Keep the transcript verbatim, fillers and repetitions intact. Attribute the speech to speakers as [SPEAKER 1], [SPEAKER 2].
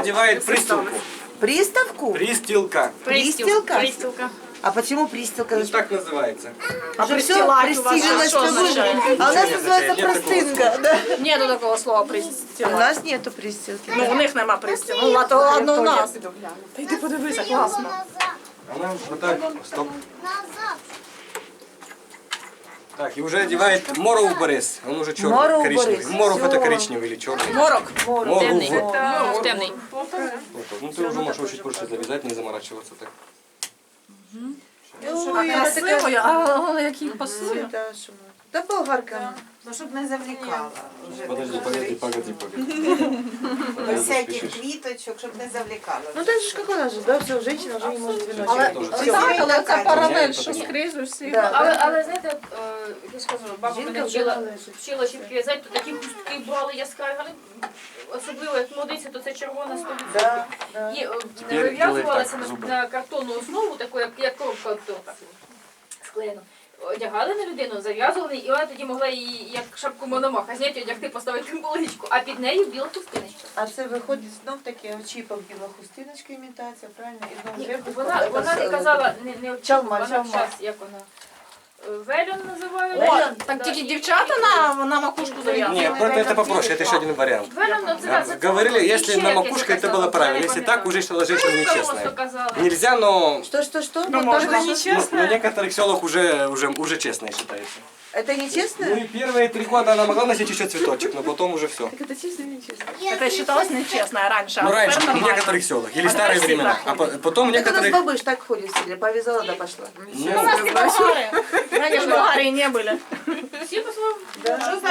[SPEAKER 1] одевает пристилку.
[SPEAKER 2] Приставку?
[SPEAKER 1] Пристилка.
[SPEAKER 2] Пристилка?
[SPEAKER 3] Пристилка.
[SPEAKER 2] А почему пристилка?
[SPEAKER 1] Ну, так называется.
[SPEAKER 2] А
[SPEAKER 3] А
[SPEAKER 2] все
[SPEAKER 3] пристилать у вас
[SPEAKER 2] пристижилось,
[SPEAKER 3] что
[SPEAKER 2] что
[SPEAKER 3] означает?
[SPEAKER 2] вы- А у нас
[SPEAKER 1] Нет,
[SPEAKER 2] называется
[SPEAKER 1] нет такого
[SPEAKER 2] простынка. Да.
[SPEAKER 3] Нету такого слова
[SPEAKER 2] У
[SPEAKER 3] пристилати.
[SPEAKER 2] нас нету пристилки.
[SPEAKER 3] Ну, у них нема пристіл. Ну, ладно, ладно, у нас. Та йди подивися, класно.
[SPEAKER 1] Она вот так, стоп. Так, и уже одевает Моров Борис. Он уже черный,
[SPEAKER 2] Моров
[SPEAKER 1] коричневый.
[SPEAKER 2] Борис.
[SPEAKER 1] Моров это
[SPEAKER 2] Всё.
[SPEAKER 1] коричневый или черный.
[SPEAKER 3] Морок.
[SPEAKER 1] Моров.
[SPEAKER 3] Темний.
[SPEAKER 1] вот.
[SPEAKER 3] Морок темний.
[SPEAKER 1] Вот так. Ну ты уже можешь чуть больше завязать, не заморачиваться так.
[SPEAKER 2] Ой,
[SPEAKER 3] А красиво, а який пасує.
[SPEAKER 2] Да, що ми- Та болгарка.
[SPEAKER 4] Ну, щоб не завлікала. Вже
[SPEAKER 1] Подожди, погоди, погоди, погоди.
[SPEAKER 4] без всяких квіточок, щоб не завлікала.
[SPEAKER 2] Ну так же, как она же, да, все, женщина уже не может две
[SPEAKER 3] Але,
[SPEAKER 2] ночи.
[SPEAKER 1] Всі
[SPEAKER 3] так, але це паралель,
[SPEAKER 1] Всі
[SPEAKER 3] що скрізь усі.
[SPEAKER 2] Да.
[SPEAKER 5] Але, але знаєте, от, е, я скажу, баба
[SPEAKER 2] Жінка
[SPEAKER 5] мене
[SPEAKER 2] вже
[SPEAKER 5] вчила,
[SPEAKER 2] належить.
[SPEAKER 5] вчила ще в'язати, то такі хустки брали яскраві, але особливо як молодиця, то це червона сто відсотків.
[SPEAKER 2] Да, да.
[SPEAKER 5] І е,
[SPEAKER 1] Тепер
[SPEAKER 5] вив'язувалася
[SPEAKER 1] делай так, зуби.
[SPEAKER 5] на, на картонну основу, таку, як, як коробка от торта склеєну. Одягали на людину, зав'язували, і вона тоді могла її, як шапку мономаха, зняти, одягти, поставити булочку, а під нею біла хустиночка.
[SPEAKER 2] А це виходить знов таки очіпок біла хустиночка імітація, правильно? І знов
[SPEAKER 5] Ні,
[SPEAKER 2] жеребком.
[SPEAKER 5] вона,
[SPEAKER 2] Це
[SPEAKER 5] вона не
[SPEAKER 2] з-
[SPEAKER 5] казала, не, не очікувала,
[SPEAKER 2] Чалма,
[SPEAKER 5] вона
[SPEAKER 2] чалма.
[SPEAKER 5] час, як вона, е, вельон називає.
[SPEAKER 3] О,
[SPEAKER 5] вельон,
[SPEAKER 3] так
[SPEAKER 5] да,
[SPEAKER 3] тільки
[SPEAKER 5] і-
[SPEAKER 3] дівчата на, на макушку зав'язують.
[SPEAKER 1] Нет, просто это попроще, это еще один вариант.
[SPEAKER 5] Вельон, ну, це- це- це-
[SPEAKER 1] Говорили,
[SPEAKER 5] це
[SPEAKER 1] если
[SPEAKER 5] ще
[SPEAKER 1] на
[SPEAKER 5] якесь
[SPEAKER 1] макушке, это
[SPEAKER 5] казала,
[SPEAKER 1] было
[SPEAKER 5] я
[SPEAKER 1] правильно.
[SPEAKER 5] не
[SPEAKER 1] Если
[SPEAKER 5] пам'ятаю.
[SPEAKER 1] так, уже считала женщина
[SPEAKER 5] Просто
[SPEAKER 1] нечестная.
[SPEAKER 5] казала.
[SPEAKER 1] Нельзя, но
[SPEAKER 2] Что, что, что?
[SPEAKER 3] Ну,
[SPEAKER 2] Вот
[SPEAKER 3] можно
[SPEAKER 2] так-
[SPEAKER 3] не
[SPEAKER 1] но,
[SPEAKER 3] честно.
[SPEAKER 1] но в некоторых селах уже, уже, уже честно считается.
[SPEAKER 2] Это нечестно?
[SPEAKER 1] Ну и первые три года она могла носить еще цветочек, но потом уже все.
[SPEAKER 2] Так это честно или нечестно?
[SPEAKER 3] Це вважалось нечесно раньше.
[SPEAKER 1] Ну
[SPEAKER 3] а
[SPEAKER 1] раньше,
[SPEAKER 3] тепер
[SPEAKER 1] в
[SPEAKER 3] нормально.
[SPEAKER 1] некоторых селах. Или
[SPEAKER 3] А
[SPEAKER 1] старые
[SPEAKER 3] теперь все
[SPEAKER 1] времена.
[SPEAKER 3] так
[SPEAKER 1] А по- потом в
[SPEAKER 2] Так у нас
[SPEAKER 1] некоторых...
[SPEAKER 2] бабыш так ходит в селе, повязала да пошла.
[SPEAKER 3] У нас не болгары. Раньше в Болгарии не были.
[SPEAKER 5] Всі по-своєму.
[SPEAKER 2] Да.